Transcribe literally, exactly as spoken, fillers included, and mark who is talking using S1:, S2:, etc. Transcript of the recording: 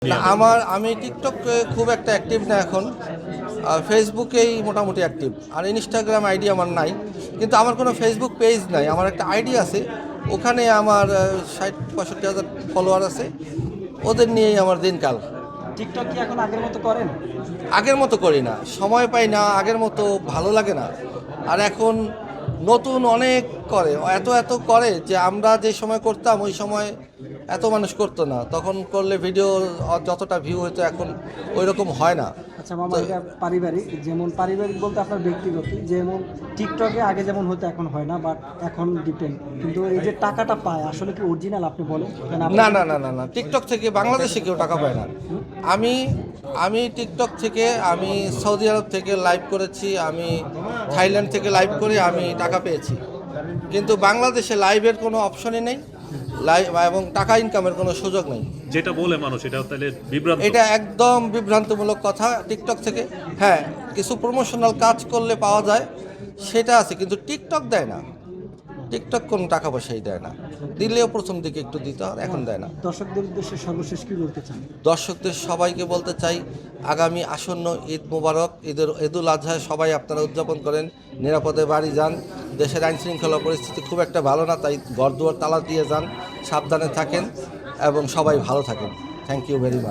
S1: না, আমার আমি টিকটকে খুব একটা অ্যাক্টিভ না এখন। ফেসবুকেই মোটামুটি অ্যাক্টিভ, আর ইনস্টাগ্রাম আইডি আমার নাই। কিন্তু আমার কোনো ফেসবুক পেজ নাই, আমার একটা আইডি আছে, ওখানে আমার ষাট পঁয়ষট্টি হাজার ফলোয়ার আছে, ওদের নিয়েই আমার দিনকাল।
S2: টিকটক কি এখন আগের মতো করেন?
S1: আগের মতো করি না, সময় পাই না, আগের মতো ভালো লাগে না। আর এখন নতুন অনেক করে, এত এত করে যে আমরা যে সময় করতাম ওই সময় এত মানুষ করতো না, তখন করলে ভিডিও যতটা ভিউ হতো এখন ওই রকম হয় না।
S2: আচ্ছা মামা, এটা পারিবারিক, যেমন পারিবারিক বলতে আপনার ব্যক্তিগত, যেমন টিকটকে আগে যেমন হতো এখন হয় না, বাট এখন ডিপেন্ড। কিন্তু এই যে টাকাটা পায় আসলে কি অরিজিনাল আপনি বলেন?
S1: না না না না না টিকটক থেকে বাংলাদেশে কেউ টাকা পায় না। আমি আমি টিকটক থেকে, আমি সৌদি আরব থেকে লাইভ করেছি, আমি থাইল্যান্ড থেকে লাইভ করে আমি টাকা পেয়েছি। কিন্তু বাংলাদেশে লাইভের কোনো অপশনই নেই, লাইভ এবং টাকা ইনকামের কোনো সুযোগ নেই।
S3: যেটা বলে মানুষ এটা তাহলে বিভ্রান্ত।
S1: এটা একদম বিভ্রান্তমূলক কথা। টিকটক থেকে হ্যাঁ কিছু প্রমোশনাল কাজ করলে পাওয়া যায়, সেটা আছে, কিন্তু টিকটক দেয় না। টিকটক কোনো টাকা পয়সাই দেয় না, দিলেও প্রথম দিকে একটু দিত, আর এখন দেয় না।
S2: দর্শকদের উদ্দেশ্যে সর্বশেষ কি বলতে চান?
S1: দর্শকদের সবাইকে বলতে চাই, আগামী আসন্ন ঈদ মোবারক, ঈদের ঈদুল আজহায় সবাই আপনারা উদযাপন করেন, নিরাপদে বাড়ি যান। দেশের আইন শৃঙ্খলা পরিস্থিতি খুব একটা ভালো না, তাই ঘরদুয়ার তালা দিয়ে যান, সাবধানে থাকেন এবং সবাই ভালো থাকেন। Thank you very much.